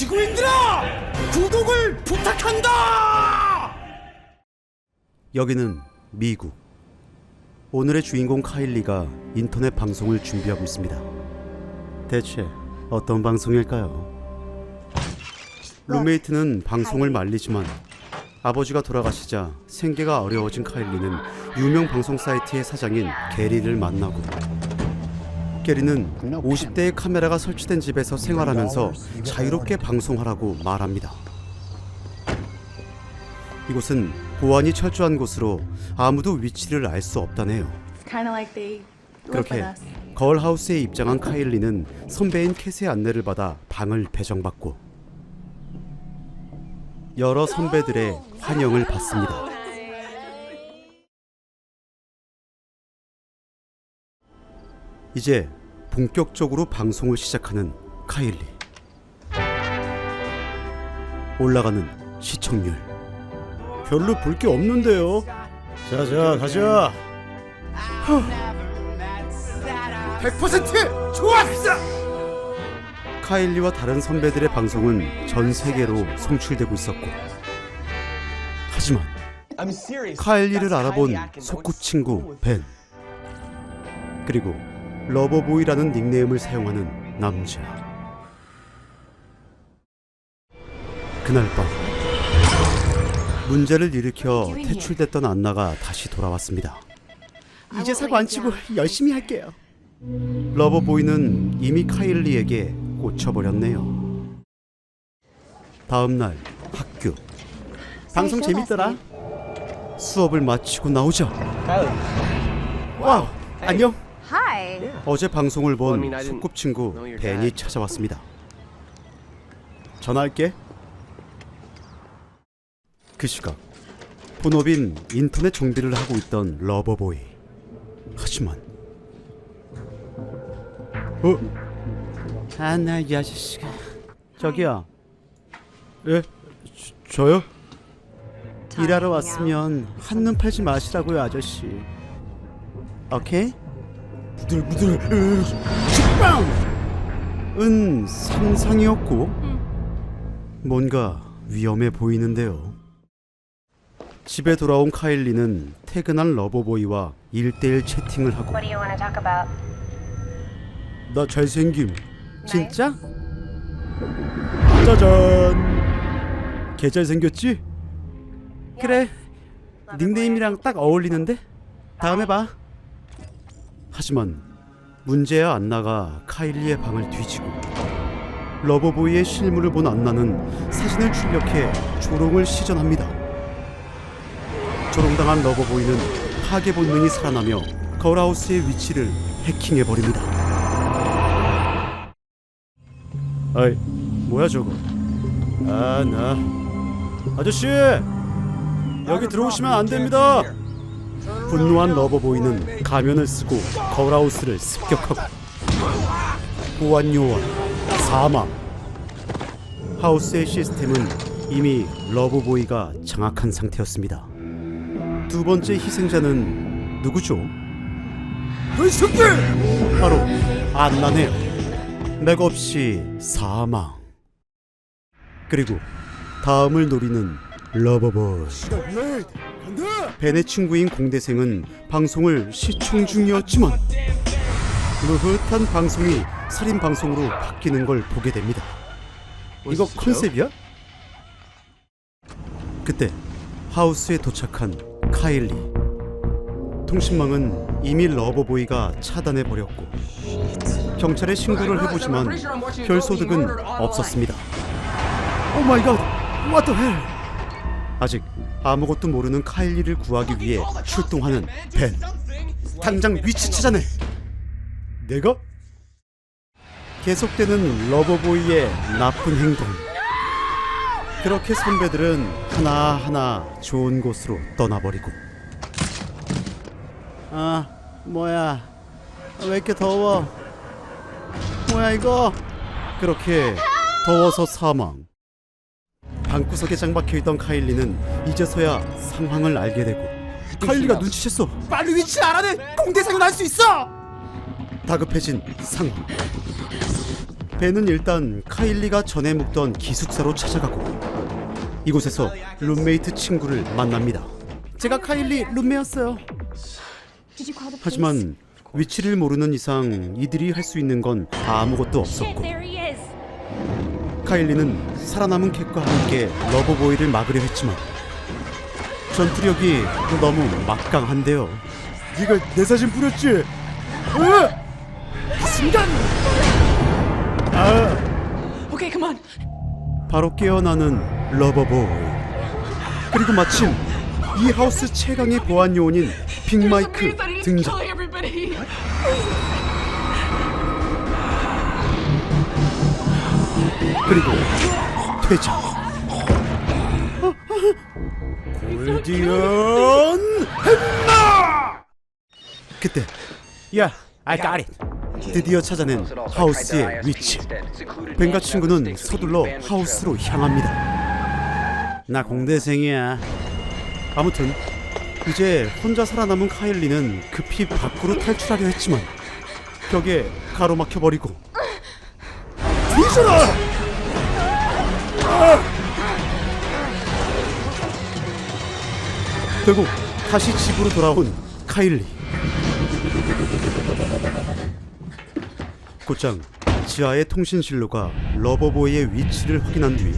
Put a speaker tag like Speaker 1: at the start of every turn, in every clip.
Speaker 1: 지구인들아! 구독을 부탁한다!
Speaker 2: 여기는 미국. 오늘의 주인공 카일리가 인터넷 방송을 준비하고 있습니다. 대체 어떤 방송일까요? 룸메이트는 방송을 말리지만 아버지가 돌아가시자 생계가 어려워진 카일리는 유명 방송 사이트의 사장인 게리를 만나고, 게리는 50대의 카메라가 설치된 집에서 생활하면서 자유롭게 방송하라고 말합니다. 이곳은 보안이 철저한 곳으로 아무도 위치를 알 수 없다네요. 그렇게 거울하우스에 입장한 카일리는 선배인 캣의 안내를 받아 방을 배정받고 여러 선배들의 환영을 받습니다. 이제 본격적으로 방송을 시작하는 카일리. 올라가는 시청률. 별로 볼 게 없는데요. 자자 가자.
Speaker 1: 100% 좋았어!
Speaker 2: 카일리와 다른 선배들의 방송은 전 세계로 송출되고 있었고, 하지만 카일리를 알아본 소꿉친구 벤, 그리고 러버보이라는 닉네임을 사용하는 남자. 그날 밤 문제를 일으켜 퇴출됐던 안나가 다시 돌아왔습니다.
Speaker 1: 이제 사고 안 치고 열심히 할게요.
Speaker 2: 러버보이는 이미 카일리에게 꽂혀버렸네요. 다음날 학교.
Speaker 1: 방송 재밌더라.
Speaker 2: 수업을 마치고 나오자, 와우, 안녕. 어제 방송을 본 소꿉친구 벤이 찾아왔습니다. 전화할게. 그 시각 본업인 인터넷 정비를 하고 있던 러버보이. 하지만 나 이 아저씨가. 저기요. 예? 저요? 일하러 왔으면 한눈 팔지 마시라고요, 아저씨. 오케이? 부들부들 식빵! 은 상상이었고 뭔가 위험해 보이는데요. 집에 돌아온 카일리는 퇴근한 러버보이와 1대1 채팅을 하고, 나 잘생김. 진짜? 짜잔. 개 잘생겼지? 그래, 닉네임이랑 딱 어울리는데? 다음에 봐. 하지만 문제야 안나가 카일리의 방을 뒤지고, 러버보이의 실물을 본 안나는 사진을 출력해 조롱을 시전합니다. 조롱당한 러버보이는 파괴 본능이 살아나며 거울하우스의 위치를 해킹해버립니다. 아이, 뭐야 저거. 나 아저씨, 여기 들어오시면 안 됩니다. 분노한 러버보이는 가면을 쓰고 거울하우스를 습격하고, 보안 요원 사망. 하우스의 시스템은 이미 러버보이가 장악한 상태였습니다. 두 번째 희생자는 누구죠?
Speaker 1: 이 새끼!
Speaker 2: 바로 안나네요. 맥없이 사망. 그리고 다음을 노리는 러버보이. 벤의 친구인 공대생은 방송을 시청 중이었지만 느긋한 방송이 살인 방송으로 바뀌는 걸 보게 됩니다. 이거 컨셉이야? 그때 하우스에 도착한 카일리. 통신망은 이미 러버보이가 차단해버렸고 경찰에 신고를 해보지만 별 소득은 없었습니다. 오 마이 갓, what the hell. 아직 아무것도 모르는 카일리를 구하기 위해 출동하는 벤. 당장 위치 찾아내. 내가? 계속되는 러버보이의 나쁜 행동. 그렇게 선배들은 하나하나 좋은 곳으로 떠나버리고. 뭐야, 왜 이렇게 더워? 뭐야 이거? 그렇게 더워서 사망. 방구석에 장박해있던 카일리는 이제서야 상황을 알게 되고, 카일리가 눈치챘어.
Speaker 1: 빨리 위치 알아내! 공대생은 할 수 있어!
Speaker 2: 다급해진 상황. 벤은 일단 카일리가 전에 묵던 기숙사로 찾아가고 이곳에서 룸메이트 친구를 만납니다.
Speaker 1: 제가 카일리 룸메였어요.
Speaker 2: 하지만 위치를 모르는 이상 이들이 할 수 있는 건 아무것도 없었고 카일리는 살아남은 캣과 함께 러버보이를 막으려 했지만 전투력이 너무 막강한데요.
Speaker 1: 네가 내 사진 뿌렸지? 그 순간!
Speaker 3: Okay, come on.
Speaker 2: 바로 깨어나는 러버보이. 그리고 마침 이 하우스 최강의 보안 요원인 빅마이크 등장.
Speaker 3: Killing everybody.
Speaker 2: 그리고 퇴장.
Speaker 1: 골디언 햄마!
Speaker 2: 그때
Speaker 1: 야, I got it.
Speaker 2: 드디어 찾아낸 하우스의 위치. 벤과 친구는 서둘러 하우스로 향합니다.
Speaker 1: 나 공대생이야.
Speaker 2: 아무튼 이제 혼자 살아남은 카일리는 급히 밖으로 탈출하려 했지만 벽에 가로막혀 버리고
Speaker 1: 뒤져라!
Speaker 2: 결국 다시 집으로 돌아온 카일리. 곧장 지하의 통신실로가 러버보이의 위치를 확인한 뒤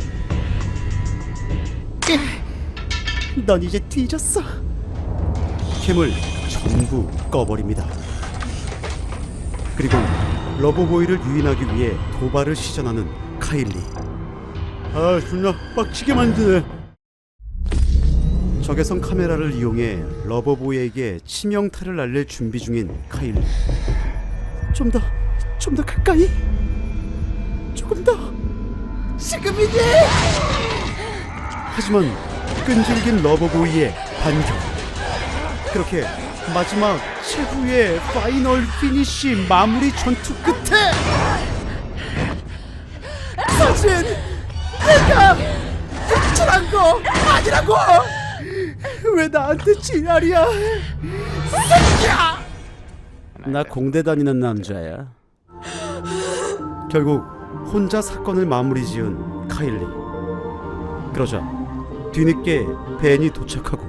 Speaker 1: 넌 이제 뒤졌어.
Speaker 2: 캠을 전부 꺼버립니다. 그리고 러버보이를 유인하기 위해 도발을 시전하는 카일리.
Speaker 1: 아, 존나 빡치게 만드네.
Speaker 2: 적외선 카메라를 이용해 러버보이에게 치명타를 날릴 준비 중인 카일리.
Speaker 1: 좀 더 가까이. 조금 더. 지금이니?
Speaker 2: 하지만 끈질긴 러버보이의 반격. 그렇게 마지막 최후의 파이널 피니쉬 마무리 전투 끝에
Speaker 1: 사실 내가 탈출한 거 아니라고. 왜 나한테 지랄이야? 새끼야! 나 공대 다니는 남자야.
Speaker 2: 결국 혼자 사건을 마무리 지은 카일리. 그러자 뒤늦게 벤이 도착하고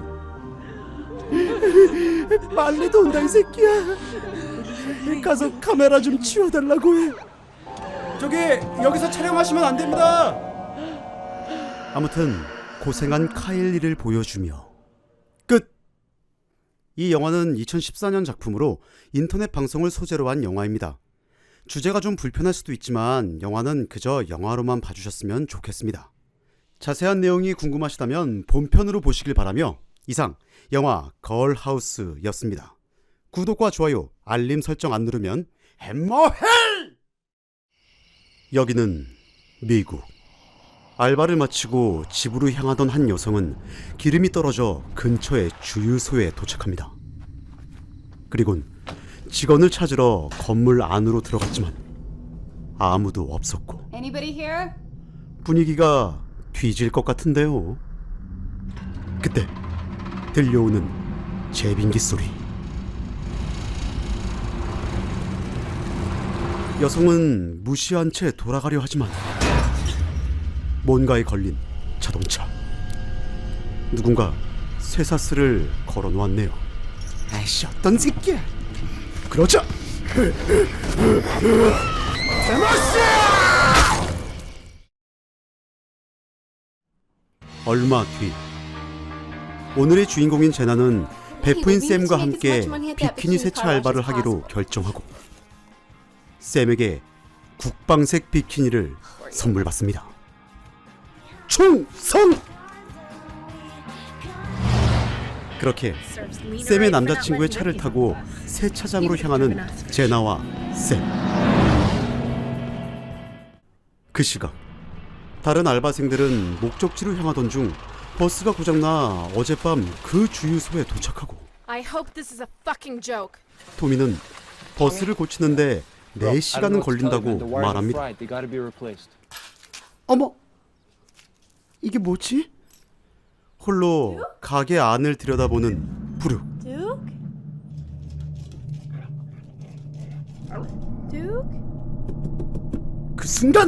Speaker 1: 빨리 온다 이 새끼야. 가서 카메라 좀 치워달라고 해.
Speaker 2: 저기 여기서 촬영하시면 안 됩니다. 아무튼 고생한 카일리를 보여주며 끝. 이 영화는 2014년 작품으로 인터넷 방송을 소재로 한 영화입니다. 주제가 좀 불편할 수도 있지만 영화는 그저 영화로만 봐주셨으면 좋겠습니다. 자세한 내용이 궁금하시다면 본편으로 보시길 바라며 이상 영화 걸하우스였습니다. 구독과 좋아요, 알림 설정 안 누르면 햄머헬! 여기는 미국. 알바를 마치고 집으로 향하던 한 여성은 기름이 떨어져 근처의 주유소에 도착합니다. 그리곤 직원을 찾으러 건물 안으로 들어갔지만 아무도 없었고
Speaker 4: Anybody here?
Speaker 2: 분위기가 뒤질 것 같은데요. 그때 들려오는 제빙기 소리. 여성은 무시한 채 돌아가려 하지만 뭔가에 걸린 자동차. 누군가 쇠사슬을 걸어놓았네요.
Speaker 1: 아이씨, 어떤 새끼야?
Speaker 2: 그러자 얼마 뒤 오늘의 주인공인 제나는 베프인 샘과 함께 비키니 세차 알바를 하기로 결정하고 샘에게 국방색 비키니를 선물 받습니다. 충성! 그렇게 샘의 남자친구의 차를 타고 세차장으로 향하는 제나와 샘. 그 시각 다른 알바생들은 목적지로 향하던 중 버스가 고장나 어젯밤 그 주유소에 도착하고
Speaker 5: I hope this is a fucking joke.
Speaker 2: 토미는 버스를 고치는데 4시간은 걸린다고 말합니다.
Speaker 1: 어머, 이게 뭐지?
Speaker 2: 홀로 가게 안을 들여다보는 브룩.
Speaker 5: Duke? Duke?
Speaker 1: 그 순간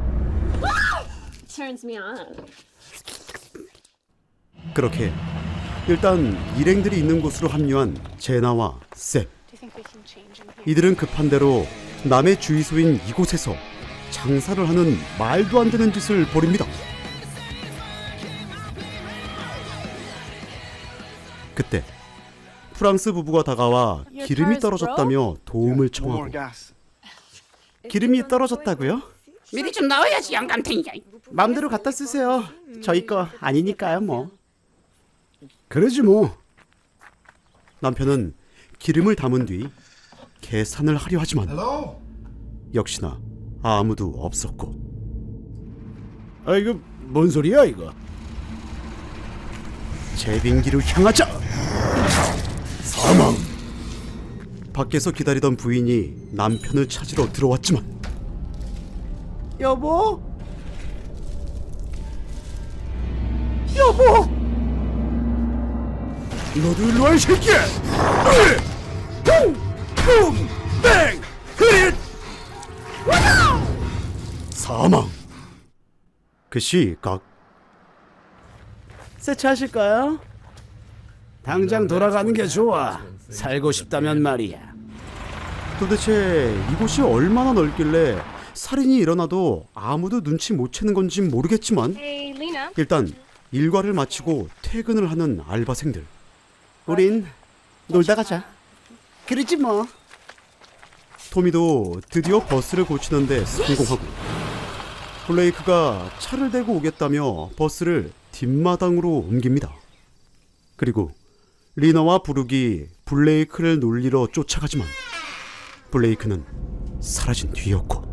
Speaker 4: Turns me on.
Speaker 2: 그렇게 일단 일행들이 있는 곳으로 합류한 제나와 샘. 이들은 급한 대로 남의 주의소인 이곳에서 장사를 하는 말도 안 되는 짓을 벌입니다. 그때 프랑스 부부가 다가와 기름이 떨어졌다며 도움을 청하고. 기름이 떨어졌다고요?
Speaker 6: 미리 좀 넣어야지 영감탱이야.
Speaker 2: 마음대로 갖다 쓰세요. 저희 거 아니니까요 뭐.
Speaker 1: 그러지 뭐.
Speaker 2: 남편은 기름을 담은 뒤 계산을 하려 하지만 역시나 아무도 없었고.
Speaker 1: 아 이거 뭔 소리야 이거?
Speaker 2: 제빙기로 향하자. 사망. 밖에서 기다리던 부인이 남편을 찾으러 들어왔지만 여보? 여보?
Speaker 1: 너도 일로 와 이 새끼야! 붐! 뱅! 흐릿!
Speaker 2: 사망. 그 시각
Speaker 1: 세차하실까요? 당장 돌아가는 게 좋아. 살고 싶다면 말이야.
Speaker 2: 도대체 이곳이 얼마나 넓길래 살인이 일어나도 아무도 눈치 못 채는 건지 모르겠지만
Speaker 4: Hey, Lena.
Speaker 2: 일단 일과를 마치고 퇴근을 하는 알바생들. 우린 놀다 가자.
Speaker 1: 그러지 뭐.
Speaker 2: 토미도 드디어 버스를 고치는데 성공하고 블레이크가 차를 대고 오겠다며 버스를 뒷마당으로 옮깁니다. 그리고 리나와 부룩이 블레이크를 놀리러 쫓아가지만 블레이크는 사라진 뒤였고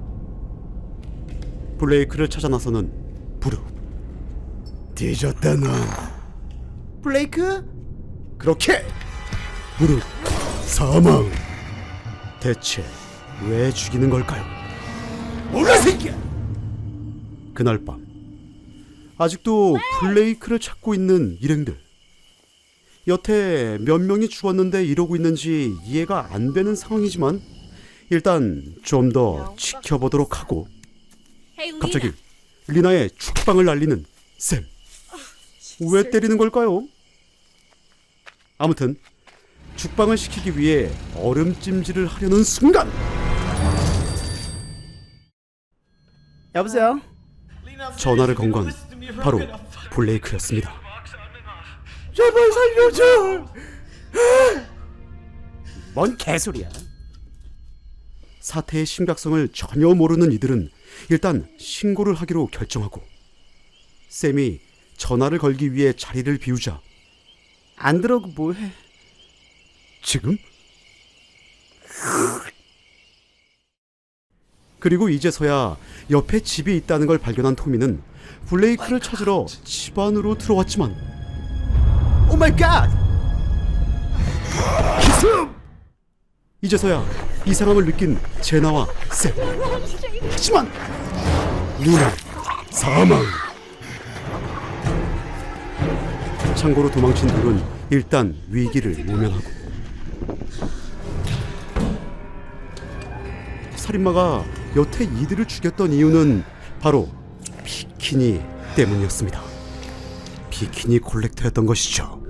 Speaker 2: 블레이크를 찾아 나서는 부룩.
Speaker 1: 뒤졌다 넌. 블레이크?
Speaker 2: 그렇게 부룩 사망. 대체 왜 죽이는 걸까요?
Speaker 1: 몰라 새끼야.
Speaker 2: 그날 밤 아직도 블레이크를 찾고 있는 일행들. 여태 몇 명이 죽었는데 이러고 있는지 이해가 안 되는 상황이지만 일단 좀 더 지켜보도록 하고 갑자기 리나의 죽방을 날리는 샘. 왜 때리는 걸까요? 아무튼 죽방을 시키기 위해 얼음찜질을 하려는 순간
Speaker 1: 여보세요?
Speaker 2: 전화를 건 건 바로 블레이크였습니다.
Speaker 1: 제발 살려줘. 뭔 개소리야.
Speaker 2: 사태의 심각성을 전혀 모르는 이들은 일단 신고를 하기로 결정하고 샘이 전화를 걸기 위해 자리를 비우자 안 들어오고 뭐해? 지금? 그리고 이제서야 옆에 집이 있다는 걸 발견한 토미는 블레이크를 찾으러 집 안으로 들어왔지만
Speaker 1: 오 마이 갓.
Speaker 2: 기습! 이제서야 이상함을 느낀 제나와 샘. 하지만 누나 사망. 창고로 도망친 둘은 일단 위기를 모면하고 살인마가 여태 이들을 죽였던 이유는 바로 비키니 때문이었습니다. 비키니 콜렉터였던 것이죠.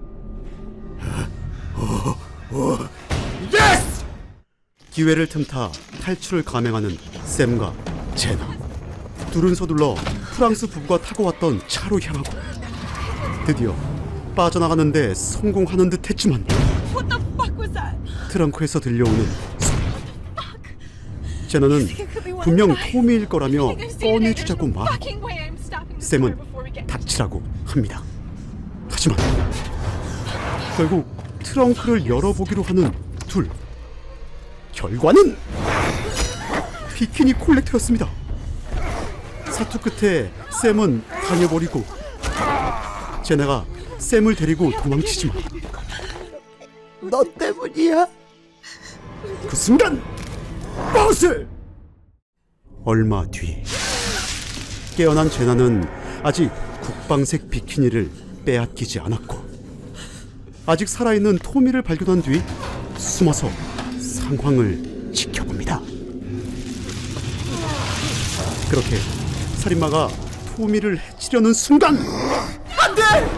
Speaker 1: 예스!
Speaker 2: 기회를 틈타 탈출을 감행하는 샘과 제나. 둘은 서둘러 프랑스 부부가 타고 왔던 차로 향하고 드디어 빠져나가는데 성공하는 듯 했지만
Speaker 3: What the fuck was that?
Speaker 2: 트렁크에서 들려오는 소리. 제나는 분명 토미일 거라며 꺼내주자고 말하고 샘은 닥치라고 합니다. 하지만 결국 트렁크를 열어보기로 하는 둘. 결과는 비키니 콜렉터였습니다. 사투 끝에 샘은 다녀버리고 제나가 샘을 데리고 도망치지만
Speaker 1: 너 때문이야.
Speaker 2: 그 순간 버스! 얼마 뒤 깨어난 제나는 아직 국방색 비키니를 빼앗기지 않았고 아직 살아있는 토미를 발견한 뒤 숨어서 상황을 지켜봅니다. 그렇게 살인마가 토미를 해치려는 순간 안돼!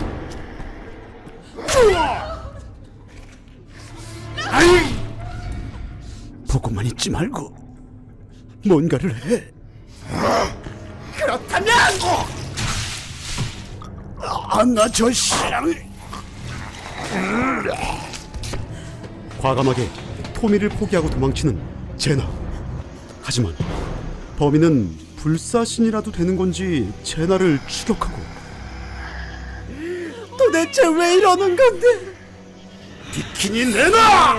Speaker 2: 아이! 보고만 있지 말고 뭔가를 해. 그렇다면 안나 저씨랑 과감하게 토미를 포기하고 도망치는 제나. 하지만 범인은 불사신이라도 되는 건지 제나를 추격하고. 도대체 왜 이러는 건데? 비키니 내놔!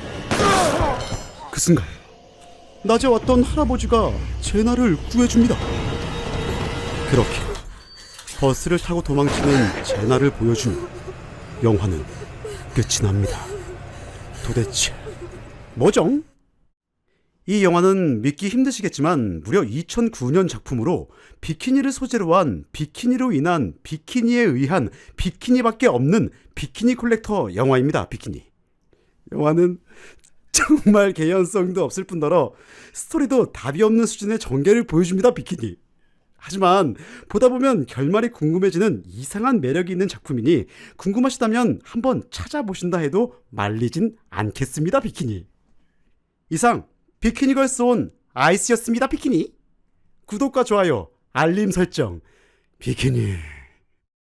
Speaker 2: 그 순간 낮에 왔던 할아버지가 제나를 구해줍니다. 그렇게 버스를 타고 도망치는 제나를 보여주며 영화는 끝이 납니다. 도대체 뭐죠? 이 영화는 믿기 힘드시겠지만 무려 2009년 작품으로 비키니를 소재로 한 비키니로 인한 비키니에 의한 비키니밖에 없는 비키니 콜렉터 영화입니다. 비키니. 영화는 정말 개연성도 없을 뿐더러 스토리도 답이 없는 수준의 전개를 보여줍니다. 비키니. 하지만 보다 보면 결말이 궁금해지는 이상한 매력이 있는 작품이니 궁금하시다면 한번 찾아보신다 해도 말리진 않겠습니다. 비키니. 이상 비키니걸스 온 아이스였습니다. 비키니. 구독과 좋아요, 알림 설정. 비키니.